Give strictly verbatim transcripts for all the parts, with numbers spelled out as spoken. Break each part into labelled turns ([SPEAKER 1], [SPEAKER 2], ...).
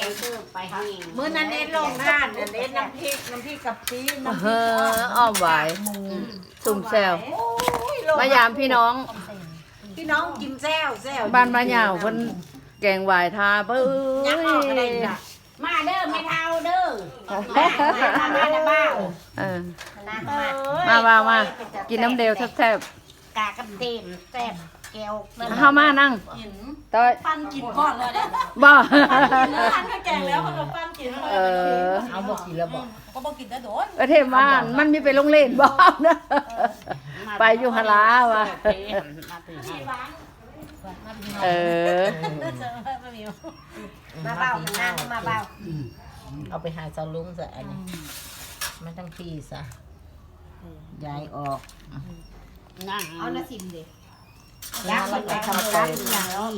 [SPEAKER 1] คือไปเฮาเอง
[SPEAKER 2] มื้อนั้นเน้นลงห้านเน้นน้ำพริกน้ำพริกกับปีน้ำพ
[SPEAKER 3] เอ
[SPEAKER 2] ริก
[SPEAKER 3] ออ้อมหวาย
[SPEAKER 2] หมู
[SPEAKER 3] สุ่มแซว
[SPEAKER 2] โอ้ยโล
[SPEAKER 3] มายามพี่น้อง
[SPEAKER 2] พี่น้องกินแซวแซว
[SPEAKER 3] บ้านมะยาวเพิ่นแกงหวายทาเบ้
[SPEAKER 2] ยักออกอะไร
[SPEAKER 3] ย
[SPEAKER 2] จ้ะ
[SPEAKER 1] มาเด้อไม่เท่าเด้อมามาเด้อบ้า
[SPEAKER 3] เออ
[SPEAKER 1] นะ
[SPEAKER 3] มาว่ามากินน้ำเดียวแซ่บ
[SPEAKER 1] กากกับเต็มแซ่บแก้ว
[SPEAKER 3] ๆเฮามานั่งต้อย
[SPEAKER 4] ปั้นกินก่อนเลยเนี่ย
[SPEAKER 3] บ่
[SPEAKER 4] ปั้นก็แกงแล้วเขาก็ปั้นกิน
[SPEAKER 3] เออ
[SPEAKER 2] เอาบอกกินแล้วบอก
[SPEAKER 4] ก็บอกกินได้โดน
[SPEAKER 3] ประเทศบ้านมันมีไปโรงเรียนบ่นะไปอยู่หนลาว่ะ
[SPEAKER 1] มาถึง
[SPEAKER 3] เออ
[SPEAKER 4] ไม่มี
[SPEAKER 1] มาเบานั่งมาเบา
[SPEAKER 2] เอาไปหาเจ้าลุงซะอันนี้มันทั้งพี่ซะย้ายออก
[SPEAKER 1] นั่ง
[SPEAKER 4] เอาละสิมดิ
[SPEAKER 1] ย่างไปทำการอย่างนี้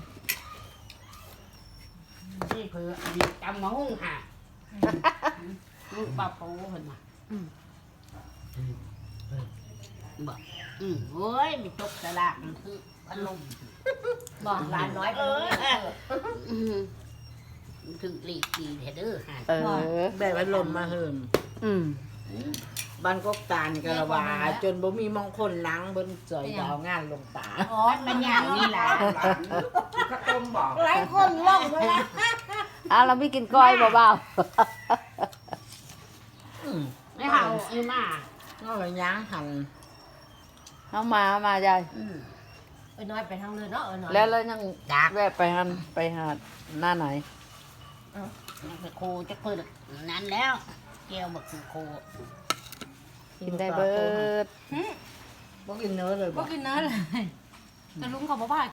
[SPEAKER 1] นี่เพื่อดีจำมาหุ้งค่ะลูกปลาปูเห็นไหมบอกอืมโอ้ยมีตกตลาดมันคืออารมณ์
[SPEAKER 4] บอกร้านน้อย
[SPEAKER 1] เออถึงหลีกดีเด้อค่ะ
[SPEAKER 3] เออ
[SPEAKER 2] ได้พัดลมมาเฮิม
[SPEAKER 3] อืม
[SPEAKER 2] บ้านกกตาลกะละวาจนบ่มีมองคนล้างบนจอยดาวงานลงตา
[SPEAKER 4] อ๋อ
[SPEAKER 1] มันอย่างนี้แหละ
[SPEAKER 2] ข้าวต้มบอก
[SPEAKER 1] หลายคนล่องเลยนะ
[SPEAKER 3] อ่ะเราไม่กินก้อยเบา
[SPEAKER 1] ไม่เห่าอีมา
[SPEAKER 2] ก็เลยย่างหั่น
[SPEAKER 3] ๆเอามาเอามายาย
[SPEAKER 1] อืม
[SPEAKER 4] เออน้อยไปทางเลยเนาะเออน้อย
[SPEAKER 3] แล้วแล้วยัง
[SPEAKER 1] ดัก
[SPEAKER 3] แวะไปหันไปหาดหน้าไหน
[SPEAKER 1] ไปโคจะเปิดนั้นแล้วเกี่ยวบักคือโค
[SPEAKER 3] กินได้เบิด
[SPEAKER 2] บ่กินเนื้อเลย
[SPEAKER 4] ก็
[SPEAKER 2] บ่
[SPEAKER 4] กินเนื้อเลยแต่ลุงเขาบอกว่า